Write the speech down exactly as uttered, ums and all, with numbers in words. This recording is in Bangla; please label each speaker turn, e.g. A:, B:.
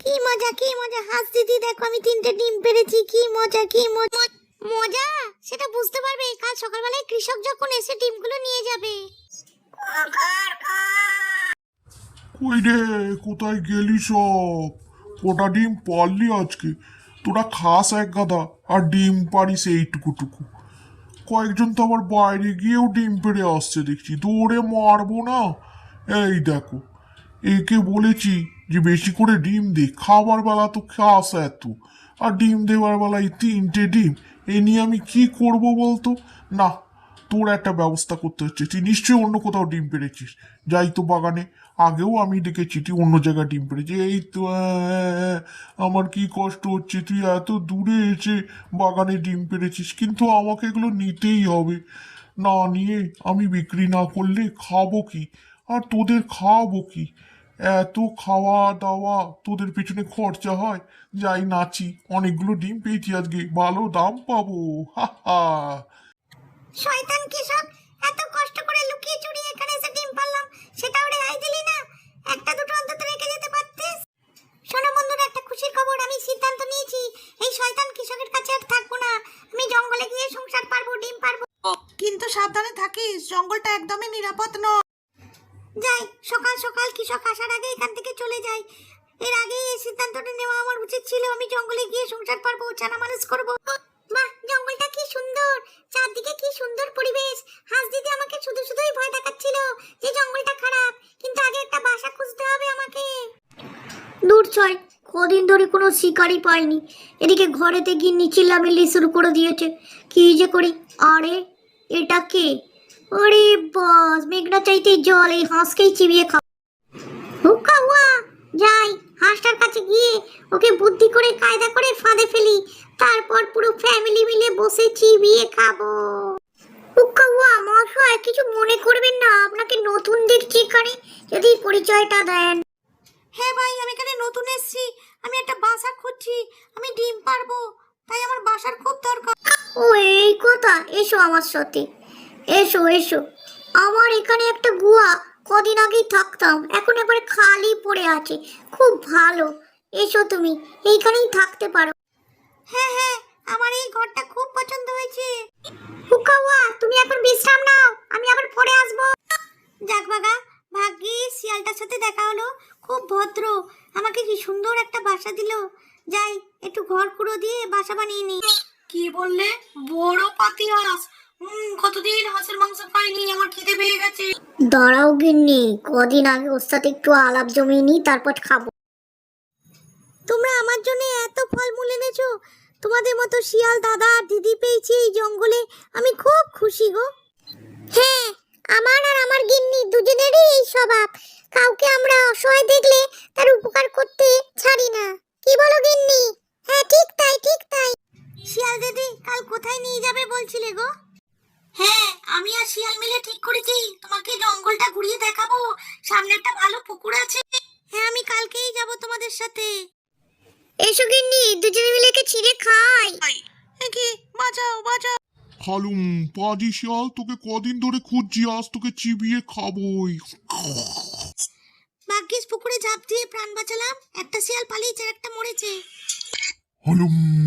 A: কি মজা কি মজা, হাস দিদি দেখো আমি তিনটে ডিম পেড়েছি, কি মজা কি মজা। মজা সেটা বুঝতে পারবে কাল সকালবেলায় কৃষক যখন এসে ডিমগুলো নিয়ে যাবে।
B: কই রে, কোথায় গেলি সব? কটা ডিম পারলি আজকে? তোরা খাস এক গাদা আর ডিম পারিস এইটুকুটুকু। কয়েকজন তো আবার বাইরে গিয়েও ডিম পেড়ে আসছে দেখছি, দৌড়ে মারবো না। এই দেখো, একে বলেছি যে বেশি করে ডিম দে, খাবার বেলা তো খাস এত, আর ডিম দেওয়ার বেলায় তিনটে ডিম। এ নিয়ে আমি কি করব বলতো? না, তোর একটা ব্যবস্থা করতে হচ্ছে। তুই নিশ্চয়ই অন্য কোথাও ডিম পেড়েছিস। যাই তো বাগানে, আগেও আমি দেখেছি তুই অন্য জায়গায় ডিম পেড়েছিস। এই তো আহ, আমার কি কষ্ট হচ্ছে, তুই এত দূরে এসে বাগানে ডিম পেড়েছিস, কিন্তু আমাকে এগুলো নিতেই হবে। না নিয়ে আমি বিক্রি না করলে খাবো কি, আর তোদের খাওয়াবো কি? এত খাওয়া দাওয়া তোদের পেছনে খরচা হয়। যাই নাচি, অনেকগুলো ডিম পেয়েছি আজকে, ভালো দাম পাবো। হা হা।
A: শয়তান কৃষক, এত কষ্ট করে লুকিয়ে চুরিয়ে এখানে এসে ডিম পারলাম, সেটাও রেহাই দিলি না। একটা দুটো অন্তত রেখে যেতে পারতিস। শোনো বন্ধুরা, একটা খুশির খবর, আমি সিদ্ধান্ত নিয়েছি এই শয়তান কৃষকের কাছে আর থাকবো না। আমি জঙ্গলে গিয়ে সংসার পারবো, ডিম পারবো।
C: কিন্তু সাবধানে থাকিস, জঙ্গলটা একদমই নিরাপদ নয়।
A: যাই, সকাল সকাল কৃষক আসার আগে এখান থেকে চলে যাই। এর আগে এই সিদ্ধান্তটা নেওয়া আমার উচিত ছিল। আমি জঙ্গলে গিয়ে সংসার পারবো, ছানা মানুষ করবো। বাহ, জঙ্গলটা কি সুন্দর, চারদিকে কি সুন্দর পরিবেশ। হাস দিদি আমাকে শুধু শুধুই ভয় দেখাচ্ছিল যে জঙ্গলটা খারাপ, কিন্তু আগে একটা বাসা খুঁজতে হবে আমাকে। দূর ছয়, কদিন ধরে কোনো শিকারই পাইনি। এদিকে ঘরেতে গিন্নি চিল্লামিল্লি শুরু করে দিয়েছে। কি যে করি। আরে এটা কে? ওরে বাস, মেঘনা চাইতে জল, এই হাঁসকেই চিবিয়ে খাও। হুক্কা হুয়া, যাই হাঁসটার কাছে গিয়ে ওকে বুদ্ধি করে কায়দা করে ফাঁদে ফেলি, তারপর পুরো ফ্যামিলি মিলে বসে চিবিয়ে খাবো। হুক্কা হুয়া মশাই, কিছু মনে করবেন না, আপনাকে নতুন দেখছি এখানে, যদি পরিচয়টা দেন।
C: হ্যাঁ ভাই, আমি এখানে নতুন এসেছি, আমি একটা বাসা খুঁজছি, আমি ডিম পারবো, তাই আমার বাসার খুব দরকার।
A: ও এই কথা, এসো আমার সাথে, এসো এসো। আমার এখানে একটা গুহা, কদিন আগেই থাকতাম, এখন এবারে খালি পড়ে আছে, খুব ভালো। এসো তুমি, এইখানেই থাকতে পারো।
C: হ্যাঁ হ্যাঁ, আমার এই ঘরটা খুব পছন্দ হয়েছে।
A: হুকাওয়া, তুমি এখন বিশ্রাম নাও, আমি আবার পরে আসবো।
C: যাক বাগা, ভাগ্যে শিয়ালটার সাথে দেখা হলো, খুব ভদ্র, আমাকে কি সুন্দর একটা বাসা দিল। যাই, একটু ঘর কুড়ো দিয়ে বাসা বানিয়ে নি। কি বললে? বড় পাতি হাঁস? হুম, কতদিন হাঁসের মাংস খাইনি, আমার খিদে পেয়ে গেছে।
A: দাঁড়াও গিন্নি, কদিন আগে ওর সাথে একটু আলাপ জমিয়ে নি, তারপর খাবো। তোমরা আমার জন্য এত ফলমূল এনেছো, তোমাদের মতো শিয়াল দাদা আর দিদি পেয়েছি এই জঙ্গলে, আমি খুব খুশি গো। হ্যাঁ, আমার আর আমার গিন্নি দুজনেরই এই স্বভাব, কাউকে আমরা অসহায় দেখলে তার উপকার করতে ছাড়ি না। কি বলো গিন্নি? হ্যাঁ ঠিক তাই ঠিক তাই।
C: শিয়াল দিদি, কাল কোথায় নিয়ে যাবে বলছিলে গো? হ্যাঁ, আমি আর শিয়াল মিলে ঠিক করেছি, তোমাকে জঙ্গলটা ঘুরিয়ে দেখাবো, সামনে একটা ভালো পুকুর আছে। হ্যাঁ, আমি কালকেই যাব তোমাদের সাথে।
A: এসো গিন্নি, দুজনে মিলে কে ছিঁড়ে খাই।
C: কি বাঁচাও বাঁচাও।
B: খালুম পাজি শিয়াল, তোকে কদিন ধরে খুঁজছি, আজ তোকে চিবিয়ে খাবোই।
C: ভাগ্যিস পুকুরে ঝাঁপ দিয়ে প্রাণ বাঁচালাম, একটা শিয়াল পালিয়েছে আর একটা মরেছে।
B: হালুম